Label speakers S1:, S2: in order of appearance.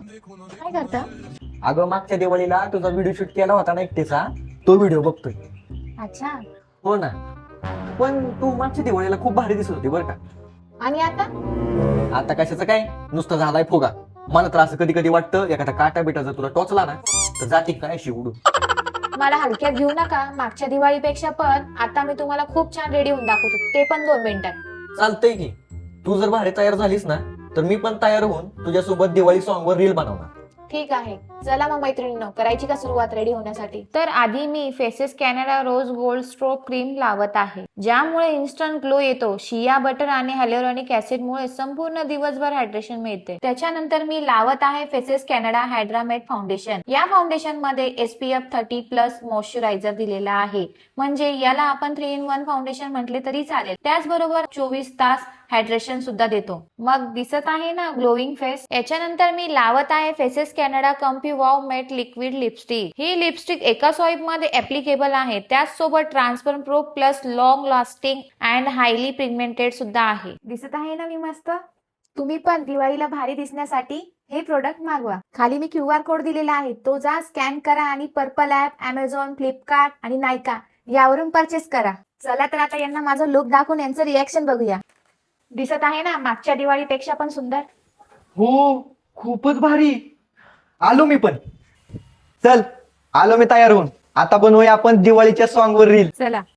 S1: काय करता?
S2: अगं मागच्या दिवाळीला तुझा व्हिडिओ शूट केला होता ना एकटेचा, तो व्हिडिओ बघतोय.
S1: अच्छा.
S2: हो ना. पण तू मागच्या दिवाळीला खूप भारी दिसत होती बरं का.
S1: आणि आता?
S2: आता कशाचं काय, नुसतं झालाय फुगा. मला तर असं कधी कधी वाटतं एखादा काटा बिटा जर तुला टोचला ना तर जाती काय अशी उडून.
S1: मला हलक्यात घेऊ नका. मागच्या दिवाळीपेक्षा पण आता मी तुम्हाला खूप छान रेडी होऊन दाखवतो, ते पण 2 मिनिटात.
S2: चालतंय की. तू जर भारी तयार झालीस ना तर मी पण तयार होऊन तुझ्यासोबत दिवाळी सॉन्ग वर रील बनवणार.
S1: ठीक आहे, चला मग मैत्रिणींनो, करायची का सुरुवात रेडी होण्यासाठी? तर आधी मी Faces Canada rose gold strobe cream लावत आहे, ज्यामुळे इन्स्टंट ग्लो येतो. शिया बटर आणि हायलोरॉनिक ऍसिड मुळे संपूर्ण दिवसभर हायड्रेशन मिळते. त्याच्यानंतर मी लावत आहे फेसेस कॅनडा हायड्रामेट फाउंडेशन. या फाउंडेशन मध्ये SPF 30+ मॉइश्चरायझर दिलेला आहे, म्हणजे याला आपण 3 in 1 फाउंडेशन म्हटले तरी चालेल. त्याचबरोबर 24 तास हायड्रेशन सुद्धा देतो. मग दिसत आहे ना ग्लोईंग फेस. याच्यानंतर मी लावत आहे Faces Canada comfy wow matte liquid lipstick. ही लिपस्टिक एका स्वाईप मध्ये ऍप्लिकेबल आहे, त्याचसोबत transparent pro plus long lasting and highly pigmented सुद्धा आहे. दिसत आहे ना मी मस्त? तुम्ही पण दिवाळीला भारी दिसण्यासाठी हे प्रोडक्ट मागवा. खाली मी QR कोड दिलेला आहे, तो जा स्कॅन करा आणि पर्पल ऍप, अमेझॉन, फ्लिपकार्ट आणि नायका यावरून परचेस करा. चला तर आता यांना माझा लुक दाखवून यांचं रिएक्शन बघूया. दिसत आहे ना मागच्या दिवाळीपेक्षा पण सुंदर?
S2: हो, खूपच भारी. आलो मी पण. चल, आलो मी तयार होऊन. आता बनवूया आपण दिवाळीच्या सॉन्ग वर रील.
S1: चला.